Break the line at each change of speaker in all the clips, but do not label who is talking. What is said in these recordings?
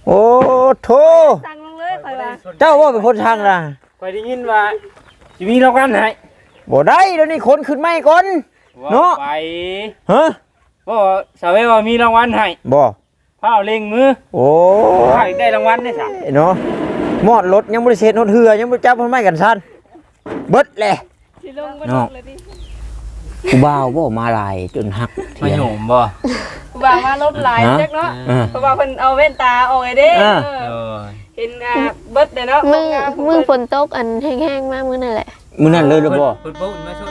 โอ้โถ
สั่งลงเลยข่อยว่า
เจ้าว่าเป็นคนทางล่ะ
ข่อยได้ยินว่าสิมีรางวัลให้
บ่ได้เดี๋ยวนี้คนขึ้นไม่ก่อนเนาะ
ไป
ฮะ
บ่สาวว่ามีรางวัลให้
บ่
พาเล็งมือ
โอ้
ได้รางวัลได้ซะ
เนาะมอดรถยังบ่ได้เสร็จรถเหือยังบ่จับเพิ่นไม้กันซั่นเบิดแหละ
สิลงบ่ลงเลยดิ
กูบ่าวบ่มาหลายจนหัก
มาโยมบ่
กูบ่าวมารถหลายจักเนาะเพราะว่าเพิ่นเอาแว่นตาออกไอ้เด้เห็นเบิดเด้เนาะ
มึงฝนตกอันแห้งๆมากมื้อนั่นแหละ
มื้อนั้นเลยหรือบ่
เพิ่นปุ๊บมาชุด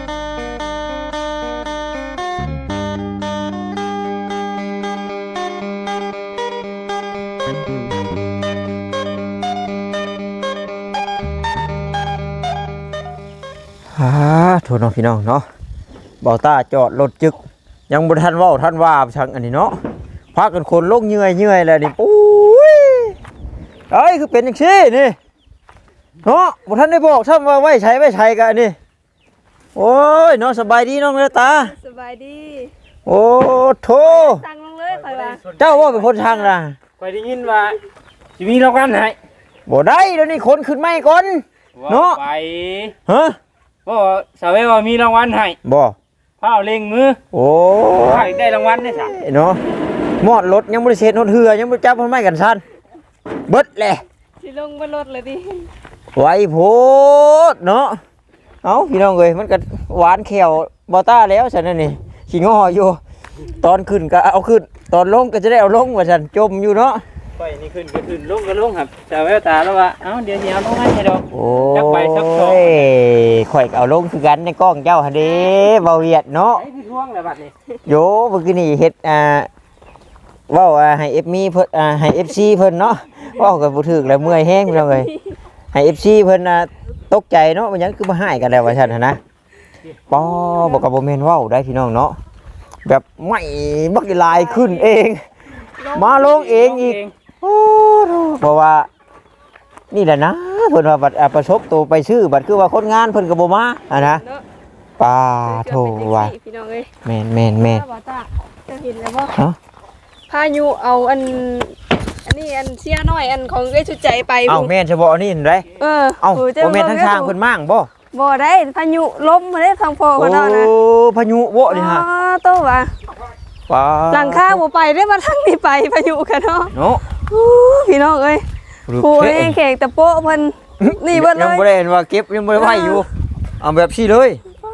โทษน้องพี่น้องเนาะเบาตาจอดรถจึกยังบ่ทันเว้าทันว่าช่างอันนี้เนาะพากันคนลงเหนื่อยแล้วนี่ปุ้ยเอ้ยคือเป็นจังซี่นี่เนาะบ่ทันได้บอกซ้ำว่าไว้ใช้กันนี่โอ้ยน้องสบายดีน้องเด้อตา
สบายดี
โอ้โถ
สั่งลงเลยข่อยว่า
เจ้าว่าเป็นคนทางล่ะ
ข่อยได้ยินว่าสิมีรางวัลให้
บ่ได้เดี๋ยวนี้คนขึ้นไม่ก่อนเนาะ
ไป
ฮะ
บ่สาวว่ามีรางวัลให้
บ่
พาเล็งมือ
โอ้
ได้รางวัลได้ซะ
เนาะมอดรถยังบ่ได้เสร็จรถเหือยังบ่จับเพิ่นไม้กันซั่นเบิดแหละ
สิลงบ่ลดเลยดิ
ไว้โพดเนาะเอ้าพี่น้องเอ้ยมันก็หวานแขวบ่ต้าแล้วซั่นนั่นนี่ขี้งออยู่ตอนขึ้นก็เอาขึ้นตอนลงก็จะได้เอาลงว่าซั่นจมอยู่เนาะ
ไปนี่ขึ้นก็ขึ้นลงก็ลงครับแต่แววตาแล้วว่าเอ้าเดี๋ยวเอาลงให้ดอก
โอ้
จักไปสัก2
ข่อยก็เอาลงคือกันในกล้องเจ้าหั่นเด้เว้าเวียดเนาะ
ไอ้พี่ท่วงแล้วบัดนี้
โยเมื่อกี้นี่เฮ็ดเว้าให้เอฟมีเพิ่นให้ FC เพิ่นเนาะเว้าก็บ่ถูกแล้วเมื่อยแฮงพี่น้องเอ้ยให้ FC เพิ่นตกใจเนาะมันยังคือมาให้กันแล้วว่าซั่นหั่นนะป้อบ่ก็บ่แม่นเว้าได้พี่น้องเนาะแบบไม่บักลายขึ้นเองมาลงเองอีกโอ้เพราะว่านี่แหละนะเพิ่นว่าบัดประสบตัวไปชื่อบัดคือว่าคนงานเพิ่นก็บ่มานะป้าโธ่ว่า
พี่น้องเอ้ย
แม่น
จะเห็นแล้วบ่ฮะพายุเอาอันนี้อันเสียน้อยอันของไอ้ชุดใจไป
เอ้าแม่นเฉพาะอันนี้เห็นได้เอ้าบ่แม่นทั้งช่างเพิ่นมั่งบ่
ได้พายุล้มมาได้ทางพ่อเขาเนาะนะ
โอ้พายุบ่นี่ฮะ
โตว่าหลังคาบ่ไปได้มาทางนี้ไปพายุกันเนาะ
เนาะ
พี่น้องเอ้ยผู้เองแขกตะโป๊ะเพิ่นนี่เบิดเลย
ยังบ่ได้เห็นว่าเก็บยังบ่ได้ไว้อยู่เอาแบบซี่เลย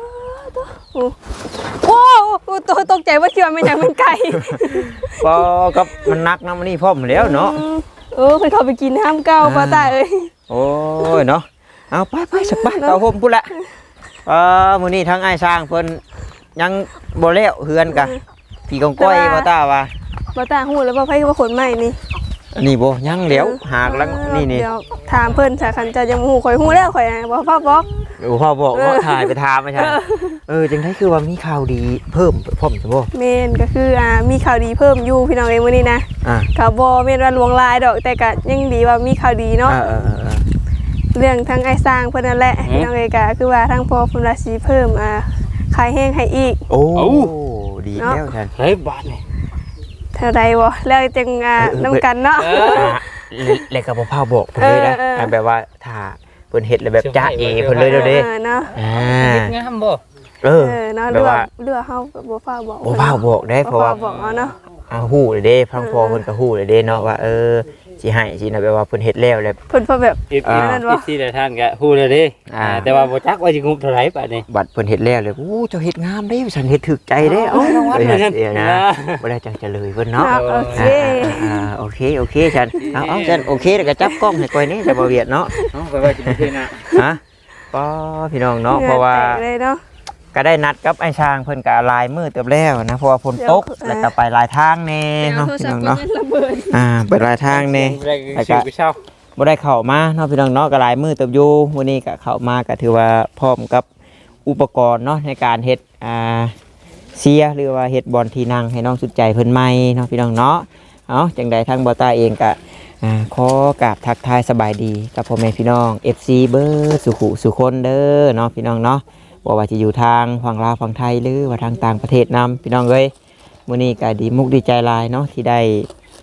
โอ้ตัวตกใจว่าเชื่อมันยังมันไก่
ก็กับมันนักนะมันนี่พร้อมแล้วเนาะ
ไปเขาไปกินห้ามเก้าป้าตาเอ้ย
โอ้ยเนาะเอาไปสักบ้านเอาผมพูดละมื้อนี้ทั้งไอ้ช้างเพิ่นยังบ่แล้วเฮือนกะพี่กองก้อยป้าตาว่า
ป้าตาฮู้แล้วว่าไผว่าคนใหม่นี่
อันนี้บ่ยังแล้วหากลังนี่
เดี๋ยวถามเพิ่นถ้าคันจะยังฮู้ข่อยฮู้แล้วข่อยบ่ฟ้าบอก
พ่อบอกว่าถ่ายไปถามไม่ใช่จังได๋คือว่ามีข่าวดีเพิ่มพร้อมใช่บ่
แม่นก็คือมีข่าวดีเพิ่มอยู่พี่น้องเอ้ยมื้อนี้นะก็บ่แม่นว่าลวงลายดอกแต่ก็ยังดีว่ามีข่าวดีเนาะเรื่องทั้งไอ้สร้างเพิ่นนั่นแหละพี่น้องเอ้ยก็คือว่าทั้งพ่อเพิ่นราศีเพิ่มขายแห้งให้อีก
โอ้ดีแล้วท่าน
เฮ้ยบาทนี่
เท่าใดบ่แล้วจังนำกันเนาะ
แล้วก็บ่พาบอกเพิ่นเลยนะแบบว่าถ้าเพิ่นเฮ็ดแล้วแบบจ้าเอเพิ่นเลยเด้อเด้
เนาะ
เฮ็ดงามบ่
เนาะเรือเฮาบ่ฟ้าบอก
บ่ฟ้าบอกได้เพราะว่า
บอกเนาะ
ฮู้เลยเด้พังพอเพิ่นก็ฮู้เลยเด้เนาะว่าสิให้สินะแบบว่าเพิ่นเฮ็ดแล้ว
เพิ่นแบบ
นั่นว่าสิได้ท่านก็ฮู้เลยเด้แต่ว่าบ่จักว่าสิงบเท่าไหร่บัดนี้
บัดเพิ่นเฮ็ดแล้วเลยโอ้เจ้าเฮ็ดงามเด้ฉันเฮ็ดถูกใจเด้เอ้นะบ่ได้จังจะเลยเพิ่นเนาะโอเคฉันเอาฉันโอเคแล้วก็จับกล้องให้ก่อยนี่จะบ่เวียดเนาะ
ไปว่าสิเฮ็ดนะ
ฮะป้อพี่น้องเนาะเพราะว่าก็ได้นัดกับไอ้ช้างเพิ่นก็ลายมือเติบแล้วนะเพราะว่าฝนตกแล้วก็ไปลายทางแน่เนาะพี่น้องเนาะไปลายทางแน่แล้วก็บ่ได้เข้ามาเนาะพี่น้องเนาะก็ลายมือเติบอยู่มื้อนี้ก็เข้ามาก็ถือว่าพร้อมกับอุปกรณ์เนาะในการเฮ็ดเสียหรือว่าเฮ็ดบอลที่นั่งให้น้องสุดใจเพิ่นใหม่เนาะพี่น้องเนาะเอาจังใดทางบ่ตาเองก็ขอกราบทักทายสบายดีกับพ่อแม่พี่น้อง FC เบอร์สุคนเด้อเนาะพี่น้องเนาะว่าจะอยู่ทางฝั่งลาวฝั่งไทยหรือว่าทางต่างประเทศนำพี่น้องเอ้ยมื้อนี้ก็ดีมุกดีใจหลายเนาะที่ได้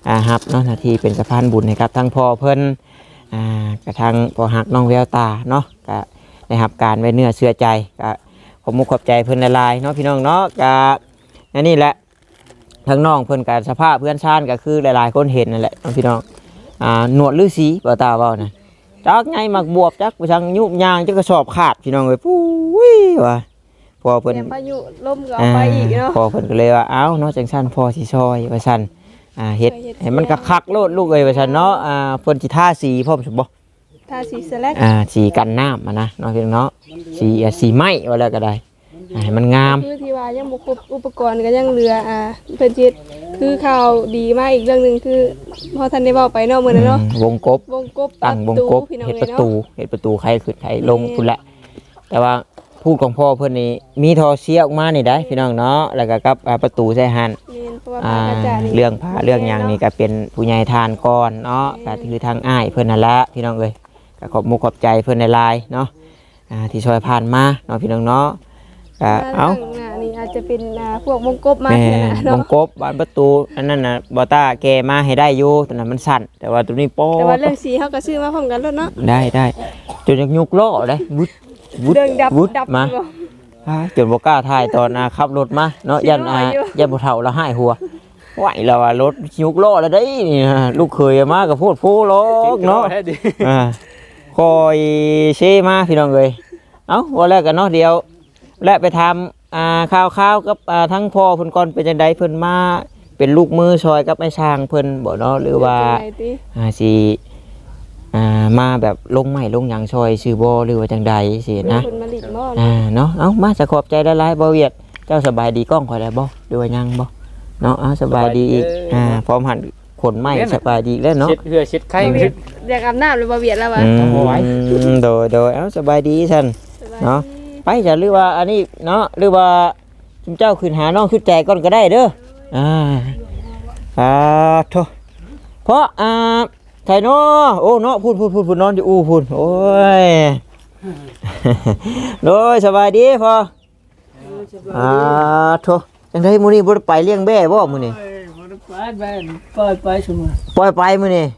รับเนาะหน้าที่เป็นสะพานบุญให้กับทั้งพ่อเพิ่นกระทั่งพ่อฮักน้องแววตาเนาะก็ได้รับการไว้เนื้อเชื่อใจก็ขอบมุกขอบใจเพิ่นหลายๆเนาะพี่น้องเนาะก็นี่แหละทั้งน้องเพิ่นกับสภาพเพื่อนชาติก็คือหลายๆคนเห็นนั่นแหละพี่น้องหนวดฤาษีบ่ตาเว้านะจักไงมักบวบจักไปทางยุบยางจักกระสอบขาดพี่น้องเอ้ยปุ้ยว่ะพอเพิ่น
พายุลมก็เอาไปอีกเนาะ
พอเพิ่นก็เลยว่าเอ้าเนาะจังซั่นพ่อสิซอยว่าซั่นเฮ็ดให้มันคักๆโลดลูกเอ้ยว่าซั่นเนาะเพิ่นสิทาสีพร้อมซั่นบ่
ทาสีสแลก
สีกันน้ำนะเนาะพี่น้องเนาะสีไม้ว่าแล้วก็ได้ให้มันงาม
คือที่ว่ายังบ่ครบอุปกรณ์ก็ยังเหลือเพิ่นเฮ็ดคือข่าวดีมากอีกเรื่องนึงคือพอทันได้เว้าไปเนาะมื้อนั้นเนาะ
วงกบตั้งวงกบเฮ็ดประตูใครขึ้นใครลงพุ่นแหละแต่ว่าพูดของพ่อเพิ่นนี่มีทอเสียออกมานี่ได้พี่น้องเนาะแล้วก็กับประตูใส่หันเรื่องผ้าเรื่องหยังนี่ก็เป็นผู้ใหญ่ทานก่อนเนาะก็คือทางอ้ายเพิ่นนั่นละพี่น้องเอ้ยก็ขอบมุกขอบใจเพิ่นหลายๆเนาะที่ช่วยผ่านมาเนาะพี่น้องเนาะเอา
นี่อาจจะเป็นพวกวงกบมา
วงกบบานประตูอันนั้นน่ะบอต้าแกมาให้ได้อยู่แต่นั้นมันสั่นแต่ว่าตัวนี้โป๊
แต่ว่าเรื่องสีเขาก็ซื้อมาพร้อมกันแล้วเนาะ
ได้จนยุกล้อได้วุดมาจนบ่กล้าถ่ายตอนขับรถมาเนาะยันบ่เฒ่าละหายหัวไหวแล้วว่ารถยุกล้อแล้วได้นี่ลูกเคยมากับพูดฟูล้อกเนาะคอยเชมาพี่น้องเอ้ยเอ้าว่าแล้วกันเนาะเดียวและไปทำข้าวกับทั้งพ่อเพิ่นก่อนเป็นจังไดเพิ่นมาเป็นลูกมือซอยกับไอ้ช้างเพิ่นบ่เนาะหรือว่าสิมาแบบลงไม้ลงหยังซอยชื่อบ่หรือว่าจังใดสินะเนาะเอ้ามาจะขอบใจหลายๆบ่เวียดเจ้าสบายดีกล้องข่อยได้บ่หรือว่ายังบ่เนาะสบายดีอีกพร้อมหันขนไม้สบายดีแล้วเนาะ
เช็ดเหือเช็ดไข้
อยากอาบน้ำหรือบ่เวียดแล้ววะ
โดยสบายดีซั่นเนาะไปจะหรือว่าอันนี้เนาะหรือว่าจุ่มเจ้าขึ้นหาน้องขึ้นใจก่อนก็ได้เด้อโธ่เพราะไทยเนาะโอ้เนาะพูดนอนอยู่พูดโอ้ยโดยสบายดีพอโธ่จังไดมื้อนี้บ่ได้ไปเลี้ยงแบ่บ่มื้อนี้
ปล่อยไปซุมื้อ
ปล่อยไปมื้อนี้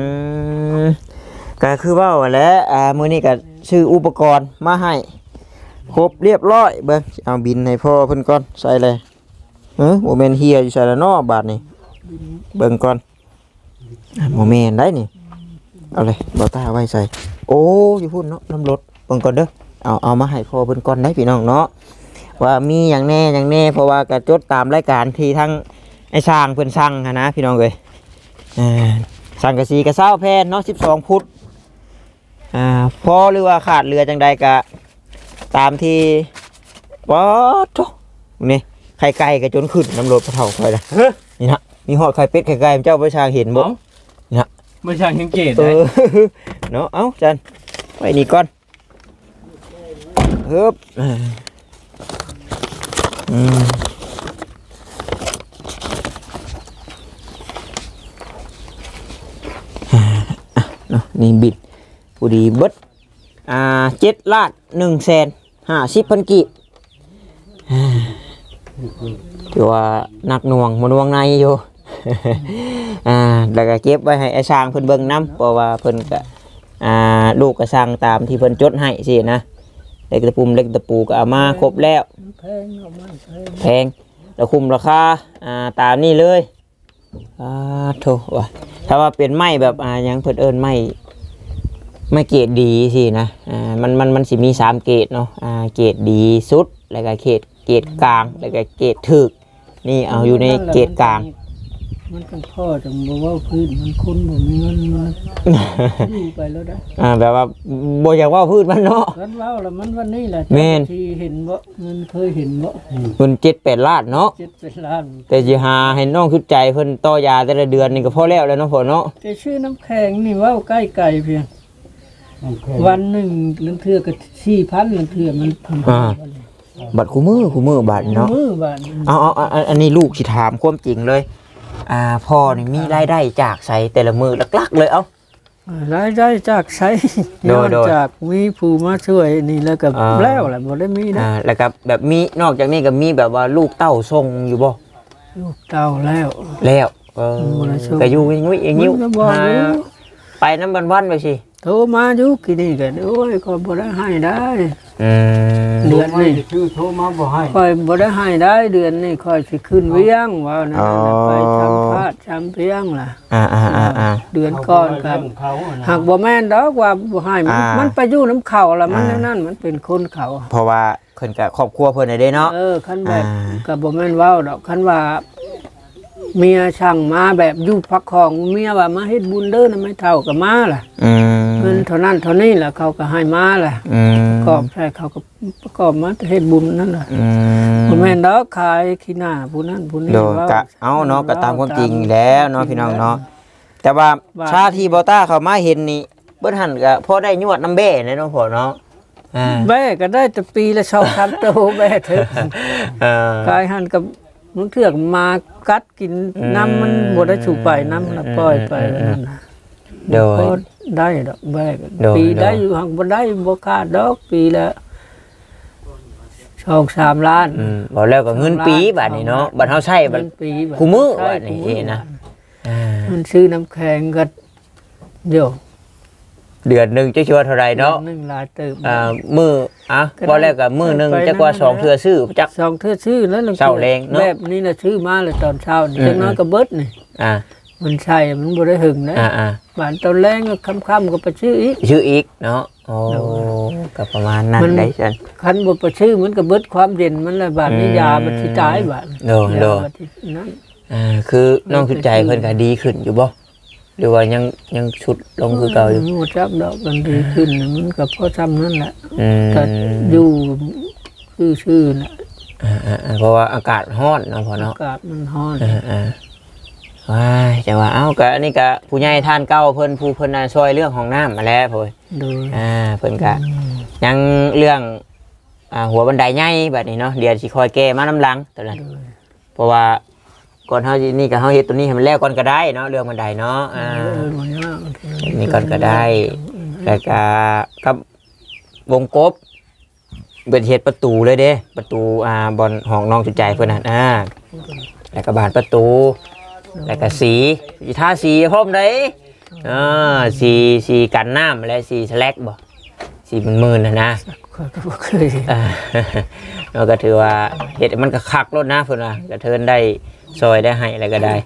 ก็คือว่าแหละมื้อนี้ก็ซื้ออุปกรณ์มาให้ครบเรียบร้อยเบิ่งเอาบินให้พ่อเพิ่นก่อนใส่เลยบ่แม่นเฮียอยู่ใส่ละเนาะบาดนี้เบิ่งก่อนบ่แม่นได้นี่เอาเลยบ่ตาไว้ใส่โอ้อยู่พุ่นเนาะน้ำรถเบิ่งก่อนเด้อเอามาให้พ่อเพิ่นก่อนได้พี่น้องเนาะว่ามีหยังแน่เพราะว่าก็จดตามรายการที่ทั้งไอ้ช่างเพิ่นสั่งนะพี่น้องเอ้ยสั่งกะสีกะเช้าแพนเนาะ12ฟุตพอหรือว่าขาดเรือจังใดก็ตามที่ป๊อดโธ่นี่ไข่ไก่กับจนขึ้นน้ำรถพระเท่าคอยนะนี่นะมีหอดไข่เป็ดไข่ไก่เจ้าประชาเห็นบ่นี่นะ
ประชาสังเกตได้
เนาะเอ้าจันไปนี่ก่อนเฮ้บเนาะนี่บิดผู้ดีเบิด7 ล้าน 150,000 กีบถือว่าหนักหน่วงมันวงในอยู่แล้วก็เก็บไว้ให้ไอ้ช้างเพิ่นเบิ่งน้ำเพราะว่าเพิ่นก็ลูกก็สั่งตามที่เพิ่นจดให้สินะเล็กตะปูก็เอามาครบแล้วแพงแล้วคุมราคาตามนี่เลยโธ่ว่ะถ้าว่าเป็นไม้แบบยังเพิ่นเอิ้นไม้เกรดดีสินะมันสิมี3เกรดเนาะเกรดดีสุดแล้วก็เกรดกลางแล้วก็เกรดถึกนี่เอาอยู่ในเกรดกลาง
มันเป็นพ่อจังบ่ว่าพื้นมันคนบ่มีเงินมันอยู่ไปแล้วได้
แบบว่าบ่อยากว่าพื้นมันเนาะ
มันเว้าแล้วมันวันนี้แหละที่เห็นบ่เงินเคยเห็นบ่
เงิน7-8 ล้านเนาะ
7-8 ล้าน
แต่สิหาให้น้องคิดใจเพิ่นต่อยาแต่ละเดือนนี่ก็พอแล้วเนาะพ่อเนาะ
แต่ชื่อน้ำแข็งนี่เว้าใกล้ไกลเพียงวันหนึ่งลังเทื่อก็ 4,000 ลังเทื่อมัน
บัตรคู่มือบัตรเนาะเอาอันนี้ลูกสิถามความจริงเลยพ่อนี่มีรายได้จากไสแต่ละมือหลักๆเลย
รายได้จากไสนอกจากมีผู้มาช่วยนี่แล้วก็แล้วแหละบ่ได้มีนะ
แล้วก็แบบมีนอกจากนี้ก็มีแบบว่าลูกเต้าส่งอยู่บ่
ลูกเต้าแล้ว
ก็อยู่งุ้ยอย่างนิ้ว
มันก็บอกอยู่
ไปน้ำวันๆไปสิ
โทรมาอยู่กี่นี่ก็โอ้ยก็บ่ได้ให้ได้
เดือนนี้ชื่อโทรมาบ่ให้
ค่อยบ่ได้ให้ได้เดือนนี้ค่อยสิขึ้นเวียงว่านั่นน่ะไปทำพาดทำเพียงล่ะเดือนก่อนครับหากบ่แม่นดอกว่าบ่ให้มันไปอยู่น้ำเขาล่ะมันนั่นมันเป็นคนเขา
เพราะว่าเพิ่นก็ครอบครัวเพิ่นได้เด้เนาะ
คันแบบก็บ่แม่นเว้าดอกคันว่าเมียช่างมาแบบอยู่พักของเมียว่ามาเฮ็ดบุญเด้อนะไม่เท่าก็มาล่ะเงินเท่านั้นเท่านี้ล่ะเขาก็ให้มาล่ะกอบใช่เขาก็ประกอบมาเฮ็ดบุญนั่นล่ะบ่แม่นดอกขายขี้หน้าผู้นั้นผู้นี้
โดยก็เอาเนาะก็ตามความจริงแล้วเนาะพี่น้องเนาะแต่ว่าชาที่บ่ต้าเข้ามาเห็นนี่เบิ่นหั่นก็พอได้ยวดน้ำแบ่เนาะพ่อเนาะ
แม่ก็ได้แต่ปีละ2-3โตแม่เถอะขายหั่นกับมึงเถือกมากัดกินน้ำมันบ่ได้ถูกไปน้ำละปล่อยไปนั่นน่ะ
โดย
ได้ดอกแม่ปีได้อยู่หักบ่ได้บ่ขาดดอกปีละ2-3 ล้าน
บ่แล้วก็เงินปีบัดนี้เนาะบัดเฮาใช้บัดคู่มื้อบัดนี้นะ
มันซื้อน้ำแข็งก็เดี๋ยว
เดือนนึงจะชัวเท่าไหร่เนาะ
นึงหลายเติม
มื้อบ่แล้วก็มื้อนึงจักว่า2เทื่อซื้อจัก
2เทื่อซื้อแล้ว
เช้าแรงเนาะ
แบบนี้น่ะซื้อมาเลยตอนเช้าจังน้อยก็เบิดนี่มันใช่มันบ่ได้หึงนะบ้านตอนแรงก็ค่ำๆก็ไปซื้ออีก
เนาะโอ้ก็ประมาณนั้นได้ซั่น
คันบ่ไปซื้อมันก็เบิดความเย็นมันละบาดนี้ยามันสิตายบาด
โดคือน้องสุดใจเพิ่นก็ดีขึ้นอยู่บ่หรือว่ายังชุดลงคือเก่าอยู่
บ่จับดอกมันดีขึ้นมันก็พอซ้ำนั่นแหละก็อยู่ซื่อๆน่ะ
เพราะว่าอากาศร้อนเนาะพ่อเนาะ
อากาศมันร้อน
ว้ายจังว่าเอ้าก็อันนี้ก็ผู้ใหญ่ท่านเก่าเพิ่นผู้เพิ่นช่วยเรื่องของน้ำมาแล้วพ่อยเพิ่นก็ยังเรื่องหัวบันไดใหญ่แบบนี้เนาะเดี๋ยวสิคอยแก้มาน้ำหลังตอนนั้นเพราะว่าก่อนเฮานี่ก็เฮาเฮ็ดตัวนี้ให้มันแล้วก่อนก็ได้เนาะเรื่องบันไดเนาะนี่ก่อนก็ได้แล้วก็กับวงกบเป็นเฮ็ดประตูเลยเด้ประตูบอนห้องน้องจุใจเพิ่นน่ะแล้วก็บานประตูแล้วก็สีทาสีพร้อมได้สีกันน้ำและสีสแลกบ่สีมื่นๆนะเราก็ถือว่าเฮ็ดมันก็คักรถนะเพิ่นว่าก็เทินได้ซอยได้ให้อะไรก็ได้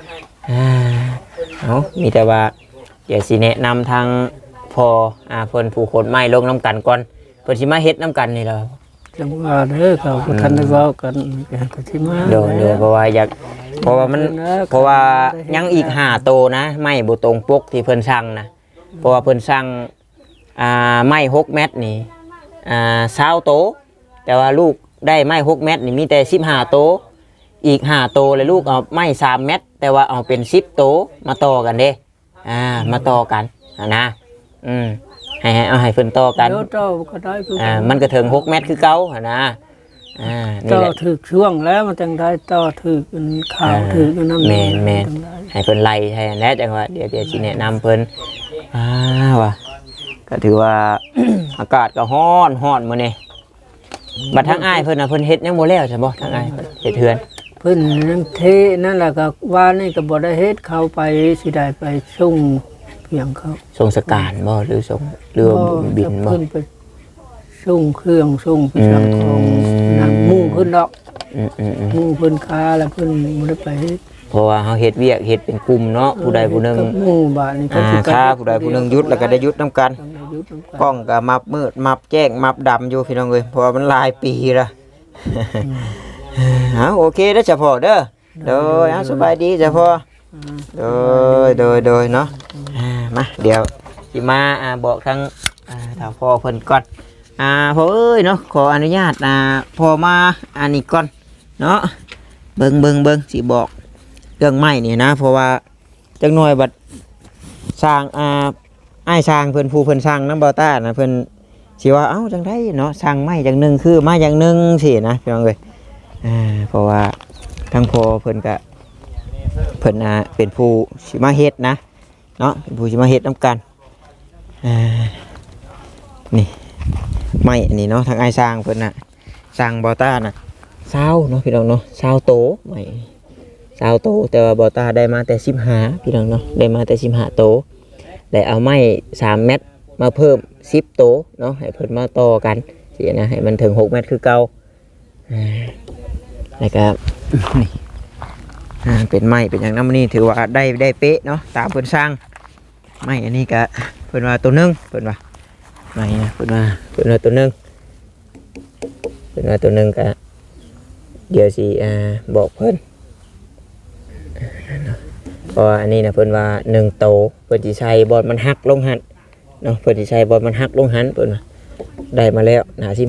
มีแต่ว่าเดี๋ยวสิแนะนำทางพอเพิ่นผู้คนไม้ลงน้ำกันก่อนเพิ่นสิมาเฮ็ดน้ำกันนี่ล่ะ
จังว่าเด้อเขาทันได้เว้ากันก็สิมา
โดยเพราะว่าอยากเพราะว่ายังอีก5โตนะไม้บ่ตรงปกที่เพิ่นสั่งนะเพราะว่าเพิ่นสั่งไม้6เมตรนี่20โตแต่ว่าลูกได้ไม้6เมตรนี่มีแต่15โตอีก5โตเลยลูกเอาไม้3เมตรแต่ว่าเอาเป็น10โตมาต่อกันเด้มาต่อกันนะให้เพิ่นต่อกันมันก็ถึง6เมตรคือเก่านะ
ต่อถึกช่วงแล้วมันจังได้ต่อถึกข่าวถึกน้ำ
แม่ให้เพิ่นไล่ให้แล้วจังว่าเดี๋ยวสิแนะนำเพิ่นว่ะก็ถือว่า อากาศก็ร้อนมื้อนี้บัดทางอ้ายเพิ่นน่ะเพิ่นเฮ็ดยังบ่แล้วใช่บ่ทางอ้ายเฮ็ดเฮือน
เพิ่นนั่นเทนั่นแหละก็ว่านี่ก็บ่ได้เฮ็ดเข้าไปสิได้ไปส่งเพียงเขา
ส่งสการบ่หรือส่งเรือบินบ่
เพิ่นไปส่งเครื่องส่งไปสั่งของนั่นหมู่เพิ่นดอกหมู่เพิ่นค้าแล้วเพิ่นบ่ได้ไป
เพราะว่าเฮาเฮ็ดเวียกเฮ็ดเป็นกลุ่มเนาะผู้ใดผู้หนึง
หมู่บ้านนี่ก็
สิค้าผู้ใดผู้หนึงหยุดแล้วก็ได้หยุดนำกันกล้องก็มับมืดมับแจ้งมับดำอยู่พี่น้องเอ้ยเพราะว่ามันหลายปีละโอเคเด้อจ้ะพ่อเด้อโดยสบายดีจ้ะพ่อโดยเนาะมาเดี๋ยวสิมาบอกทางทางพ่อเพิ่นก่อนพ่อเอ้ยเนาะขออนุญาตพ่อมาอันนี้ก่อนเนาะเบิ่งสิบอกเรื่องไม้นี่นะเพราะว่าจักหน่อยบัดสร้างอ้ายสร้างเพิ่นผู้เพิ่นสร้างน้ำบ่ต้านะเพิ่นสิว่าเอ้าจังได๋เนาะสร้างไม้จังนึงคือมาอย่างนึงสินะพี่น้องเอ้ยเพราะว่าทั้งพ่อเพิ่นก็เพิ่นเป็นผู้สิมาเฮ็ดนะเนาะเป็นผู้สิมาเฮ็ดนำกันนี่ไม้อันนี้เนาะทางอ้ายสร้างเพิ่นน่ะสร้างบ่ต้าน่ะ20เนาะพี่น้องเนาะ20โตไม้ 20โตแต่ว่าบ่ตาได้มาแต่15พี่น้องเนาะได้มาแต่15โตแล้วเอาไม้3เม็ดมาเพิ่ม10โตเนาะให้เพิ่นมาต่อกันสินะให้มันถึง6เม็ดคือเก่าแล้วก็ นี่เป็นไม้เป็นอย่างนั้นนี่ถือว่าได้เป๊ะเนาะตามเพิ่นสร้างไม้อันนี้ก็เพิ่นว่าตัวนึงเพิ่นว่าไม้นะเพิ่นว่าตัวนึงก็เดี๋ยวสิบอกเพิ่นเพราะว่าอันนี้นะเพิ่นว่า1โตเพิ่นสิใช้บอลมันหักลงหันเนาะเพิ่นสิใช้บอลมันหักลงหันเพิ่นว่าได้มาแล้วหน้า15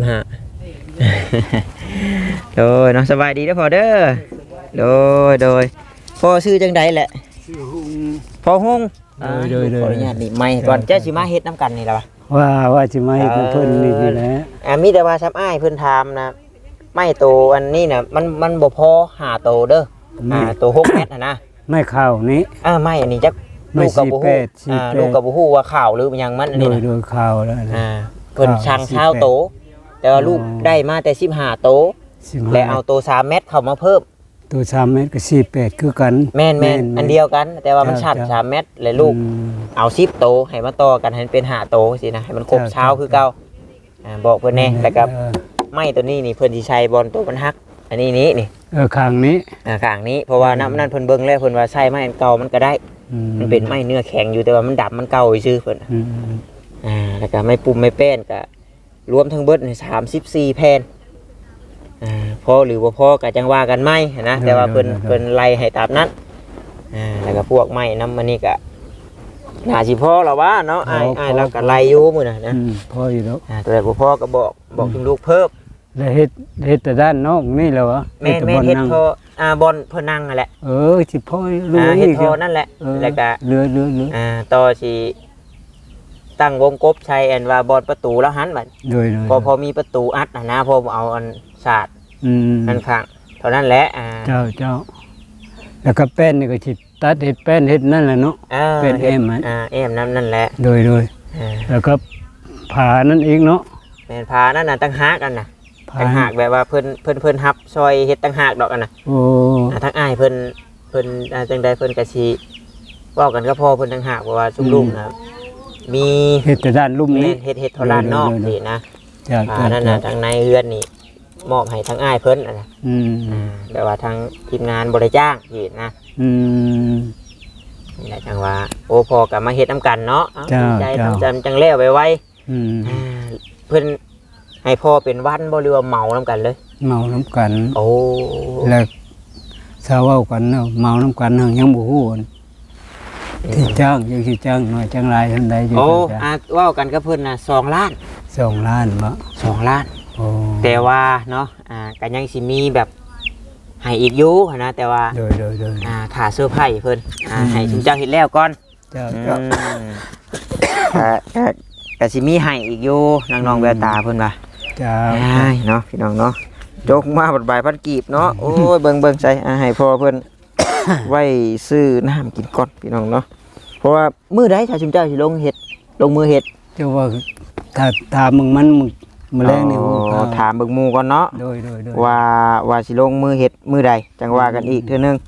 โดยเนาะสบายดีเด้อพ่อเด้อโดยพ่อชื่อจังใดแหละพ่อฮงโดยขออนุญาตนี่ไม้ก่อนเจ้าสิมาเฮ็ดน้ำกันนี่ล่ะ
ว่าสิมาเฮ็ดเพิ่นนี่แหละ
มีแต่ว่าซับอ้ายเพิ่นถามนะไม้โตอันนี้น่ะมันบ่พอ5โตเด้อโต6เมตรนะ
ไม่เข้านี้
ไม้อันนี้จักลูกกับบ่ฮู้ลูกกับบ่ฮู้ว่าข้าวหรือหยังมันอันนี้น่ะ
โดยข้าวแล้ว
เพิ่นสั่ง20โตแต่ว่าลูกได้มาแต่15โตและเอาโต3เมตรเข้ามาเพิ่ม
ตัว3เมตรก็48คือกัน
แม่นอันเดียวกันแต่ว่ามันชัด3เมตรและลูกเอา10โตให้มาต่อกันให้เป็น5โตสินะให้มันครบเช้าคือเก่าบอกเพิ่นแน่แล้วก็ไม้ตัวนี้นี่เพิ่นสิใช้บอลตัวมันฮักอันนี้นี่
ข้างนี้
ข้างนี้เพราะว่าน้ำนั่นเพิ่นเบิ่งแล้วเพิ่นว่าใช้ไม้อันเก่ามันก็ได้มันเป็นไม้เนื้อแข็งอยู่แต่ว่ามันดำมันเก่าซื่อเพิ่นแล้วก็ไม้ปุ่มไม้แป้นก็รวมทั้งเบิด34แผ่นพอหรือว่าพอก็จังว่ากันไหมนะแต่ว่าเพิ่นไล่ให้ตามนั้นแล้วก็พวกไม้น้ำมันนี่ก็น่าสิพอแล้ววะเนาะอ้ายเราก็ไล่อยู่มื้อน่ะนะ
พออยู่แล้ว
แต่บ่พอก็บอกถึงลูกเพิ่ม
แล้วเฮ็ดแต่ด้านนอกนี่แล้ววะ
แม่เฮ็ดพอบอลเพิ่นนั่งนั่นแหละ
สิพอ
เฮ็ดพอนั่นแหละแล้วก็
เรือ
ต่อสิตั้งวงกบใช้อันว่าบอลประตูแล้วหันบัดพอมีประตูอัดนะพอเอาอันศาสตร์นั่นข้างเท่านั้นแหละ
เจ้าแล้วก็แป้นนี่ก็สิตัดเฮ็ดแป้นเฮ็ดนั่นแหละเนาะเป็นเอ็ม
เอ็มนั่นแหละ
โดยแล้วก็ผ่านั่นเองเนาะ
แม่นผ่านั่นน่ะตั้งหากกันน่ะตั้งหากแบบว่าเพิ่นฮับซอยเฮ็ดตั้งหากดอกกันน่ะทั้งอ้ายเพิ่นจังใดเพิ่นก็สิเว้ากันก็พอเพิ่นตั้งหากเพราะว่าซุมลูกนะมี
เฮ็ดแต่ด้านลุ่มนี้
เฮ็ดทอด้านนอกนี่นะนั่นน่ะทางในเฮือนนี่มอบให้ทั้งอ้ายเพิ่นน่ะแบบว่าทางทีมงานบ่ได้จ้างนี่นะนี่แหละจังว่าโอ้พอก็มาเฮ็ดนํกันเนาะใจจังแล้วไวๆเพิ่นให้พ่อเป็นวันบ่หรือว่าเมานํกันเลย
เมานํกัน
โอ้
แล้วชาวเว้ากันเนาะเมานํกันยังบ่ฮู้ที่จ้างยังสิจ้างน้อยจ้างหลายเท่าใดอยู่
เว้ากันกับเพิ่นน่ะ2 ล้าน
บ่
2 ล้านแต่ว่าเนาะก็ยังสิมีแบบให้อีกอยู่นะแต่ว่า
โดย
ค่าเสื้อผ้าเพิ่นให้ชุมเจ้าเฮ็ดแล้วก่อน
เจ้า
ก็สิมีให้อีกอยู่น้องๆแววตาเพิ่นว่า
จ้า
เนาะพี่น้องเนาะจกมาบัดบายพันกีบเนาะโอ้ยเบิ่งใส่ให้พ่อเพิ่นไว้ซื้อน้ำกินก่อนพี่น้องเนาะเพราะว่ามื้อใดถ้าชุมเจ้าสิลงมือเฮ็ด
เจ้าว่าถ้าถามมึงมันมื้อแรงนี่
ถามเบิ่งหมู่ก่อนเนาะ
โดย
ว่าสิลงมือเฮ็ดมื้อใดจังว่ากันอีกเทื่อนึง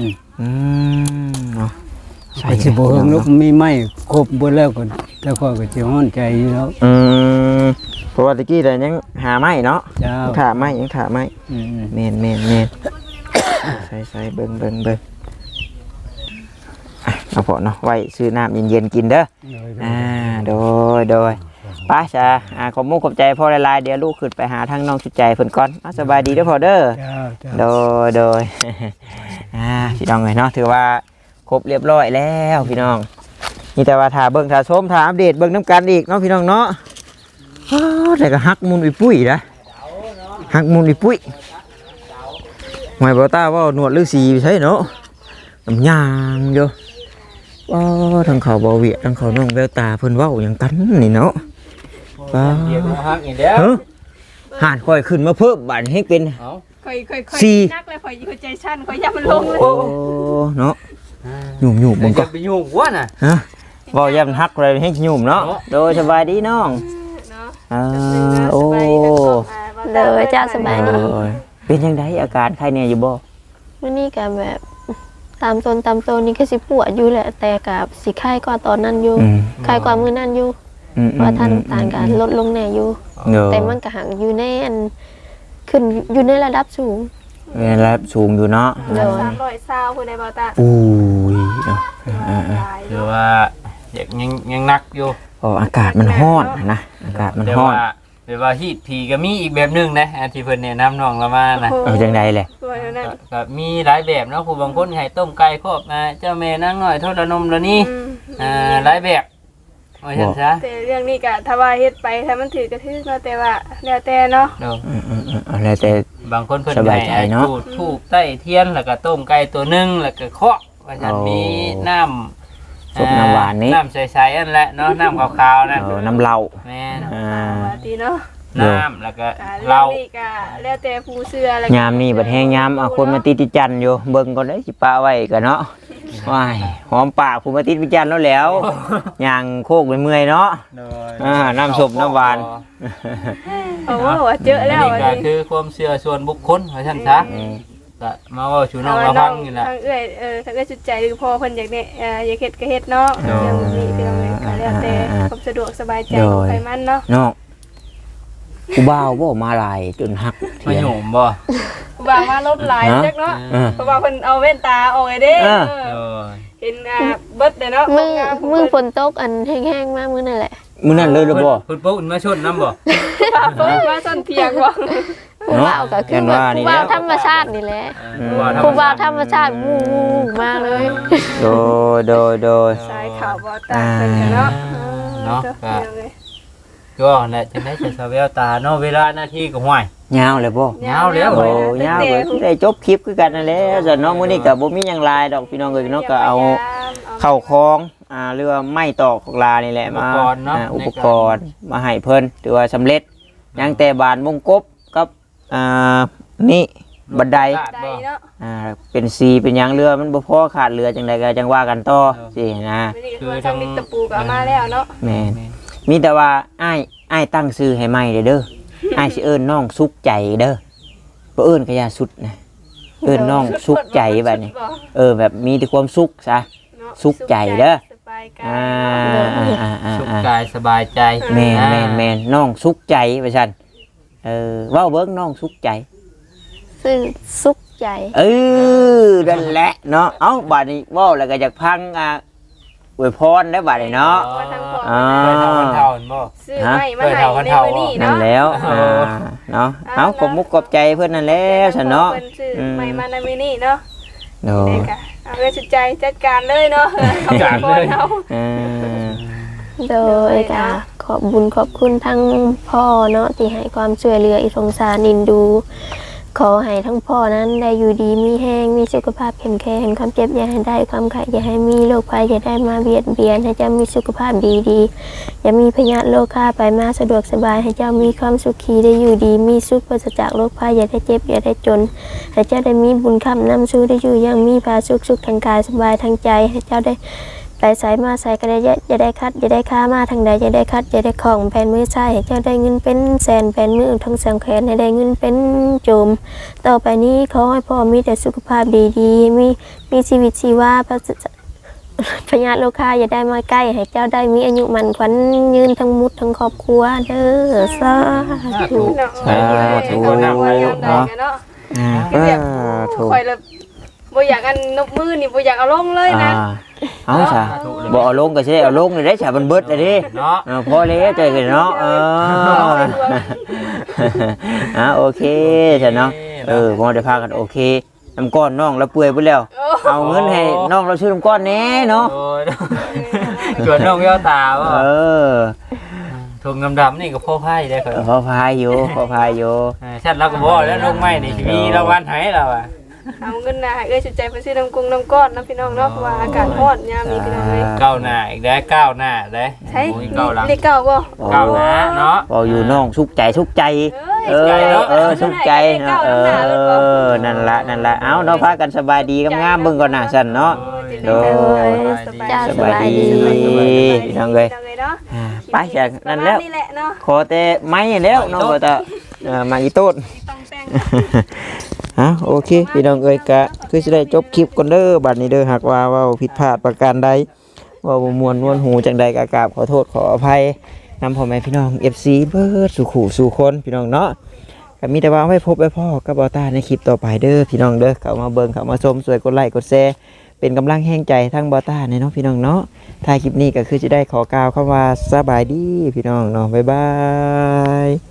เนาะ
ใช่สิบ่เฮิงลูกมีไม้ครบเบิดแล้วก็แต่ก็สิฮ้อนใจอยู่แล้ว
เพราะว่าตะกี้แต่ยังหาไม้เนาะถาไม้ยังถาไม้แม่นใส่เบิ่งเอาพอเนาะไว้ซื้อน้ำเย็นๆกินเด้อโดยป้าจ้าขอบมุกขอบใจพ่อหลายๆเดี๋ยวลูกขึ้นไปหาทางน้องชุดใจเพิ่นก่อนสบายดีเด้อพ่อเด้อโดยพี่น้องเนาะถือว่าครบเรียบร้อยแล้วพี่น้องนี่แต่ว่าถ่าเบิ่งถ่าชมถ่าอัปเดตเบิ่งน้ำกันอีกเนาะพี่น้องเนาะแต่ก็ฮักมุนอีปุ้ยนะฮักมุนอีปุ้ยหมายบ่ตาว่าหนวดฤาษีใช่เนาะน้ำยางอยู่ทางเขาบ่เวียทางเขาน้องแววตาเพิ่นเว้าอย่างกันนี่เนาะหานค่อยขึ้นมาเพิ่มบาดให้เป็น
ค่อยนักเลยค่อยใจชั่นค่อยย่ามันลงเลย
โอ้เนาะหยุ่มๆมันก็
ไปหยุ่มวะน่ะ
บ่ย่ำฮักเลยให้หยุ่มเนาะโดยสบายดีน้องโอ้
เลยจ้าสบายดี
เป็นยังไงอาการใครเนี่ยอยู่บ่
วันนี้ก็แบบตามตนนี่ก็สิปวดอยู่แหละแต่กับสิไข้กว่าตอนนั้นอยู่ไข้กว่ามื้อนั้นอยู่ว่าท่านน้ำตาลก็ลดลงแน่อยู่แต่มันก็หังอยู่ในอันขึ้นอยู่ในระดับสูง
ระดับสูงอยู่เนาะ
320พุ่นได้บ่ตา
อุ้ย
หรือว่ายังนักอยู่
อากาศมันร้อนนะอากาศมันร้อน
หรือว่าฮีทผีก็มีอีกแบบนึงนะที่เพิ่นแนะนำน้องเรามานะ
จังได๋แหละ
ก็มีหลายแบบเนาะผู้บางคนให้ต้มไก่ครอบเจ้าแม่นางน้อยทอดนมแล้วนี่หลายแบบว่าซั่นซะ
แต่เรื่องนี้ก็ถ้าว่าเฮ็ดไปถ้ามันถือกระทึกเนาะแต่ว่าแล้วแต่เนาะ
แล้วแต่
บางคนเพิ่นให้จุดธูปใต้เทียนแล้วก็ต้มไก่ตัวนึงแล้วก็เคาะว่าซั่นมีน้ำ
ซุปน้ำหวานนี้
น้ำใสๆอันแหละเนาะน้ำขาวๆนะ
น้ำเหล้า
แม่น
ดีเนาะ
น้ำแล้วก็เหล้า
นี่ก็แล้วแต่ผู้เชื่อแล้ว
ยามนี่บัดแห้งยามคนมาติดจันอยู่เบิ่งก่อนเด้สิป้าไว้ก็เนาะว้ายหอมปากผู้มาติดจันแล้วย่างโคกเมื่อยเนาะน้ำซุปน้ำหวาน
โอ้เจอแล้ว
อันนี้ก็คือความเชื่อส่วนบุคคลว่าซั่นซะก็มาว่าชูน้องมาฟังนี่แหละ
ทางทางจุดใจหรือพอเพิ่นอยากเนี่ยอยากเฮ็ดก็เฮ็ดเนาะอย่างนี้พี่น้องแล้วแต่ความสะดวกสบายใจของใครมันเนาะ
กูบ่าวบ่มาหลายจนหัก
มาโยมบ่
กูบ่าวมาลบหลายจักเนาะเพราะว่าเพิ่นเอาแว่นตาออกไอ้เด้เห็นเบิดเด้เนาะ
มึงฝนตกอันแห้งๆมามื้อนั่นแหละ
มื้อนั้นเลยหรือบ่
เพิ่นปุ๊บมาชนน้ำบ่
มาชนเพียงบ่
ผู้บ่าวก็คือผู้บ่าวธรรมชาตินี่แหละผู้บ่าวธรรมชาติวูมาเลย
โดย
สายข่าวบ่ตาเพิ่นเนาะ
ก็แหละจังได๋จะสะแววตาเนาะเวลาหน้าที่ก็ห่วย
ยาวเลยบ่
ยาวแล้ว
ยาวได้จบคลิปคือกันนั่นแหละส่วนน้องมื้อนี้ก็บ่มีหยังหลายดอกพี่น้องเอ้ยเนาะก็เอาเข้าคองหรือว่าไม้ตอกของลานี่แหละมาอุปกรณ์มาให้เพิ่นถือว่าสำเร็จยังแต่บานวงกบกับนี่บันไดเป็นซีเป็นหยังเรือมันบ่พอขาดเรือจังได๋ก็จังว่ากันต่อสินะ
คือทางมิตรปูก็มาแล้วเนาะ
แม่มีแต่ว่าอ้ายตั้งชื่อให้ใหม่เด้ออ้ายสิเอิ้นน้องสุขใจเด้อบ่เอิ้นก็อย่าสุดนะเอิ้นน้องสุขใจบัดนี้แบบมีแต่ความสุขซะสุขใจเด้อ
สุขกายสบายใจ
แม่นน้องสุขใจว่าซั่นเว้าเบิ่งน้องสุขใจ
ซึ่งสุขใจ
นั่นแหละเนาะเอ้าบัดนี้เว้าแล้วก็อยากพังอวยพรได้บัดนี้เนาะ
ซื้อไม่มาให้ในมื้อนี้เนาะ
นั่นแล้วเนาะเอาขอบมุกขอบใจเพิ่นนั่นแล้วซั่นเนาะ
ไม่มาในมื้อนี้เนาะเอาเลยสุดใจจัดการเลยเนาะ
จัดเลย
โดยขอบบุญขอบคุณทั้งพ่อเนาะที่ให้ความช่วยเหลืออีสงสารนินดูขอให้ทั้งพ่อนั้นได้อยู่ดีมีแห้งมีสุขภาพแข็งแรงความเจ็บอย่าให้ได้ความไข้อย่าให้มีโรคภัยอย่าได้มาเบียดเบียนให้เจ้ามีสุขภาพดีอย่ามีพยาธิโรคฆ่าไปมาสะดวกสบายให้เจ้ามีความสุขีได้อยู่ดีมีสุขปราศจากโรคภัยอย่าได้เจ็บอย่าได้จนให้เจ้าได้มีบุญคำนำสู่ได้อยู่ยังมีพาสุขทางกายสบายทางใจให้เจ้าได้ไปใส่มาใส่กระไดจะได้คัดจะได้ค้ามาทางใดจะได้คัดจะได้ของแผ่นมือใส่ให้เจ้าได้เงินเป็นแสนแผ่นมือทั้งสังแขนให้ได้เงินเป็นโจมต่อไปนี้ขอให้พ่อมีแต่สุขภาพดีๆมีชีวิตชีวาพญาโลคาอย่าได้มาใกล้ให้เจ้าได้มีอายุมันขวัญยืนทั้งมุดทั้งครอบครัวเด้อสาธุ
เนาะคอยเลยบ่อยากอันนบมือนี่บ่อยากเอาลงเลยนะ
เอาซะบ่เอาลงก็สิได้เอาลงนี่ได้ซะมันเบิดเลยดิเนาะพอแล้วใจกันเนาะโอเคซะเนาะบ่ได้พากันโอเคน้ำก้อนน้องแล้วเปื่อยไปแล้วเอาเงินให้น้องเราซื้อน้ำก้อนแน่เนาะ
ชวนน้องย่อตาว่าถุงดำๆนี่ก็พ่อพายได้ครับ
พ่อพายอยู่
ชัดแล้วก็บ่แล้วลงไม้นี่มีรางวัลให้เรา
เอาเงินนะสุดใจไปซื้อน้ำกุ้งน้ำก้อนน้ำพี่น้องเนาะเพราะว่าอากาศร้อนยามนี้พี่น้องเลย
ก้าวหน้าอีกได้ก้าวหน้าได้
ใช่นี่ก้าวบ่
ก้าวหน้าเนาะ
บ่อยู่น้องสุขใจสุขใจสุขใจเนาะนั่นละเอาเนาะพากันสบายดีงามๆเบิ่งก่อนนะสั่นเนาะโดยสบายดีพี่น้องเลยไปจากนั่นแล้วขอแต่ไม้แล้วเนาะก็จะมาอีต้นโอเคพี่น้องเอ้ยกะคือสิได้จบคลิปก่อนเด้อบัดนี้เด้อหากว่าเว้าผิดพลาดประการใดว่าบ่ม่วนนวลหูจังใดก็กราบขอโทษขออภัยนำพ่อแม่พี่น้อง FC เบิดสู่ขู่สู่คนพี่น้องเนาะก็มีแต่ว่าไว้พบไว้พ่อกับบ่าวตาในคลิปต่อไปเด้อพี่น้องเด้อเข้ามาเบิ่งเข้ามาชมสวยกดไลค์กดแชร์เป็นกำลังแห่งใจทั้งบ่าวตาในเนาะพี่น้องเนาะท้ายคลิปนี้ก็คือจะได้ขอกล่าวคำว่าสบายดีพี่น้องเนาะบ๊ายบาย